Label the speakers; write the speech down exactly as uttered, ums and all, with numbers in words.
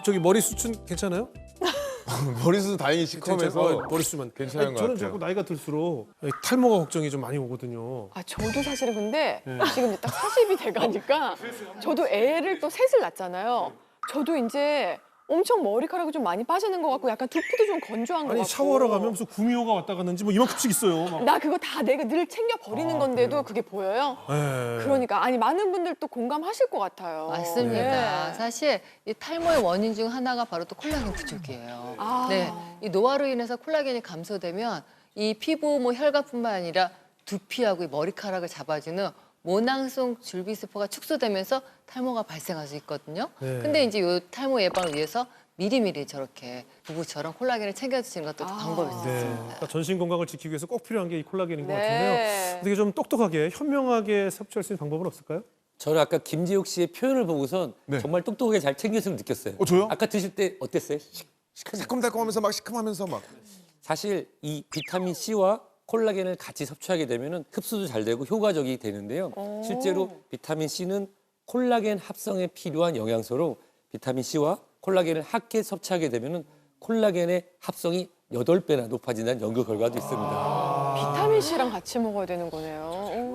Speaker 1: 저기 머리 숱은 괜찮아요?
Speaker 2: 머리숱은 다행히 시커매서
Speaker 1: 어, 머리숱만
Speaker 2: 괜찮은
Speaker 1: 아니,
Speaker 2: 것
Speaker 1: 저는
Speaker 2: 같아요.
Speaker 1: 자꾸 나이가 들수록 탈모가 걱정이 좀 많이 오거든요.
Speaker 3: 아, 저도 사실은 근데
Speaker 1: 네.
Speaker 3: 지금 이제 딱 사십이 돼가니까 저도 애를 또 셋을 낳잖아요. 저도 이제 엄청 머리카락이 좀 많이 빠지는 것 같고 약간 두피도 좀 건조한 것
Speaker 1: 아니
Speaker 3: 같고.
Speaker 1: 샤워하러 가면 무슨 구미호가 왔다 갔는지 뭐 이만큼씩 있어요. 막.
Speaker 3: 나 그거 다 내가 늘 챙겨 버리는
Speaker 1: 아,
Speaker 3: 건데도
Speaker 1: 그래요?
Speaker 3: 그게 보여요?
Speaker 1: 네.
Speaker 3: 그러니까 아니 많은 분들도 공감하실 것 같아요.
Speaker 4: 맞습니다.
Speaker 3: 네.
Speaker 4: 사실 이 탈모의 원인 중 하나가 바로 또 콜라겐 부족이에요.
Speaker 3: 아.
Speaker 4: 네, 이 노화로 인해서 콜라겐이 감소되면 이 피부 뭐 혈관뿐만 아니라 두피하고 이 머리카락을 잡아주는 모낭성 줄기세포가 축소되면서 탈모가 발생할 수 있거든요.
Speaker 1: 네.
Speaker 4: 근데 이제 이 탈모 예방을 위해서 미리미리 저렇게 부부처럼 콜라겐을 챙겨주시는 것도
Speaker 3: 아.
Speaker 4: 방법일 수
Speaker 1: 네.
Speaker 4: 있습니다.
Speaker 1: 그러니까 전신 건강을 지키기 위해서 꼭 필요한 게 이 콜라겐인 것
Speaker 3: 네.
Speaker 1: 같은데요. 어떻게 좀 똑똑하게 현명하게 섭취할 수 있는 방법은 없을까요?
Speaker 5: 저는 아까 김지욱 씨의 표현을 보고선
Speaker 2: 네.
Speaker 5: 정말 똑똑하게 잘 챙겼으면 느꼈어요.
Speaker 2: 어, 저요?
Speaker 5: 아까 드실 때 어땠어요?
Speaker 2: 새콤달콤하면서 막 시큼하면서 막.
Speaker 5: 사실 이 비타민 C와 콜라겐을 같이 섭취하게 되면 흡수도 잘 되고 효과적이 되는데요.
Speaker 3: 오.
Speaker 5: 실제로 비타민 C는 콜라겐 합성에 필요한 영양소로 비타민 C와 콜라겐을 함께 섭취하게 되면 콜라겐의 합성이 여덟 배나 높아진다는 연구 결과도 있습니다.
Speaker 3: 비타민 C랑 같이 먹어야 되는 거네요. 오.